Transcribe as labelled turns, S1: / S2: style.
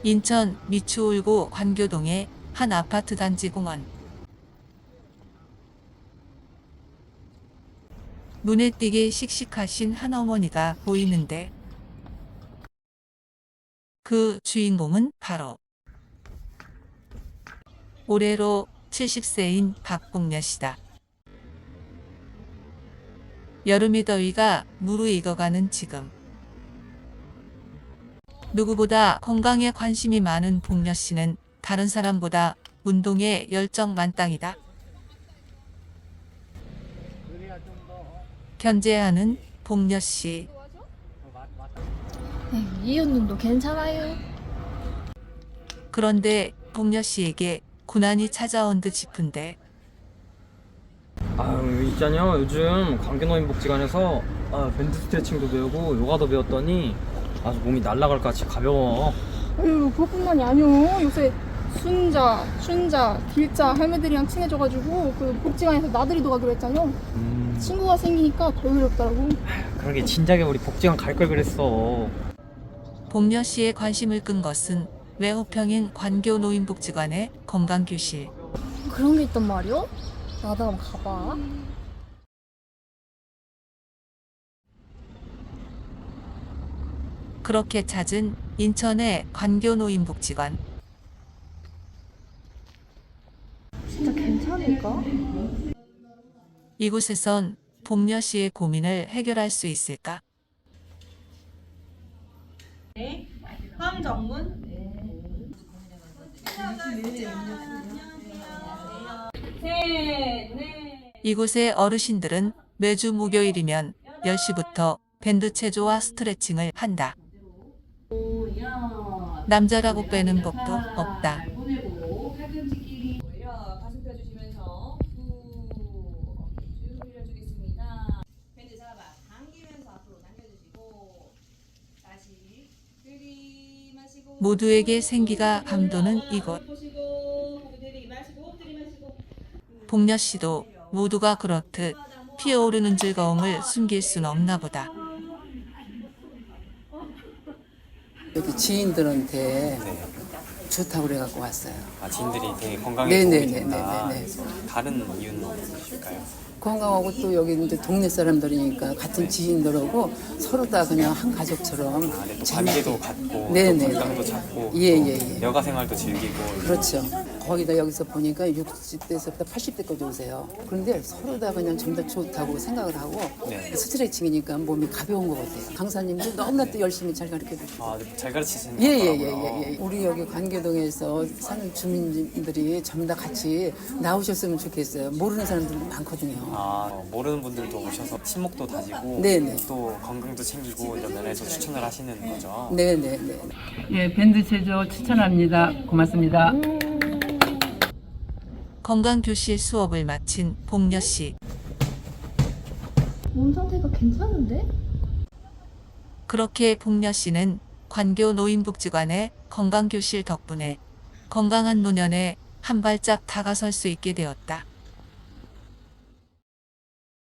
S1: 인천 미추홀구 관교동의 한 아파트 단지 공원. 눈에 띄게 씩씩하신 한 어머니가 보이는데 그 주인공은 바로 올해로 70세인 박봉녀 씨다. 여름의 더위가 무르익어가는 지금 누구보다 건강에 관심이 많은 봉녀 씨는 다른 사람보다 운동에 열정 만땅이다. 견제하는 봉녀 씨.
S2: 이웃님도 괜찮아요?
S1: 그런데 봉녀 씨에게 고난이 찾아온 듯 싶은데
S3: 있잖아요. 요즘 관계노인복지관에서 밴드 스트레칭도 배우고 요가도 배웠더니 아주 몸이 날아갈 것 같이 가벼워.
S2: 아유, 그것뿐만이 아니오. 요새 순자, 춘자, 길자 할매들이랑 친해져가지고 그 복지관에서 나들이도 가기로 했잖아요. 친구가 생기니까 더 어렵더라고.
S3: 그러게 진작에 우리 복지관 갈 걸 그랬어.
S1: 봉녀 씨의 관심을 끈 것은 외호평인 관교노인복지관의 건강교실.
S2: 그런 게 있단 말이오? 나도 한번 가봐.
S1: 그렇게 찾은 인천의 관교노인복지관.
S2: 진짜 괜찮을까?
S1: 이곳에선 봉녀 씨의 고민을 해결할 수 있을까?
S4: 황정문.
S1: 이곳의 어르신들은 매주 목요일이면 10시부터 밴드 체조와 스트레칭을 한다. 남자라고 빼는 법도 없다.
S4: 가슴 펴주시면서 쭉 올려주겠습니다. 밴드 잡아 당기면서 앞으로 당겨주시고 다시 들이마시고
S1: 모두에게 생기가 감도는 이곳. 봉녀 씨도 모두가 그렇듯 피어오르는 즐거움을 숨길 순 없나 보다.
S5: 여기 지인들한테 좋다고 그래갖고 왔어요.
S6: 지인들이 되게 건강에 도움이 된다.
S5: 네네네네네.
S6: 다른 이유는 없으실까요?
S5: 건강하고 또 여기 이제 동네 사람들이니까 같은 지인들하고 서로 다 그냥 한 가족처럼
S6: 네, 또 관계도 갖고 또
S5: 네네.
S6: 건강도 찾고
S5: 예예예.
S6: 또 여가 생활도 즐기고
S5: 그렇죠. 거기다 여기서 보니까 60대에서부터 80대까지 오세요. 그런데 서로 다 그냥 좀 더 좋다고 생각을 하고
S6: 네.
S5: 스트레칭이니까 몸이 가벼운 것 같아요. 강사님도 너무나 또 열심히 잘 가르쳐주시고.
S6: 잘 가르치시는 것 같더라고요.
S5: 예예예예. 우리 여기 관계동에서 사는 주민들이 전부 다 같이 나오셨으면 좋겠어요. 모르는 사람들도 많거든요.
S6: 모르는 분들도 오셔서 친목도 다지고
S5: 네네.
S6: 또 건강도 챙기고 이런 면에서 추천을 하시는 거죠.
S5: 네네네.
S7: 예, 밴드 체조 추천합니다. 고맙습니다.
S1: 건강교실 수업을 마친 봉녀 씨.
S2: 몸 상태가 괜찮은데?
S1: 그렇게 봉녀 씨는 관교노인복지관의 건강교실 덕분에 건강한 노년에 한 발짝 다가설 수 있게 되었다.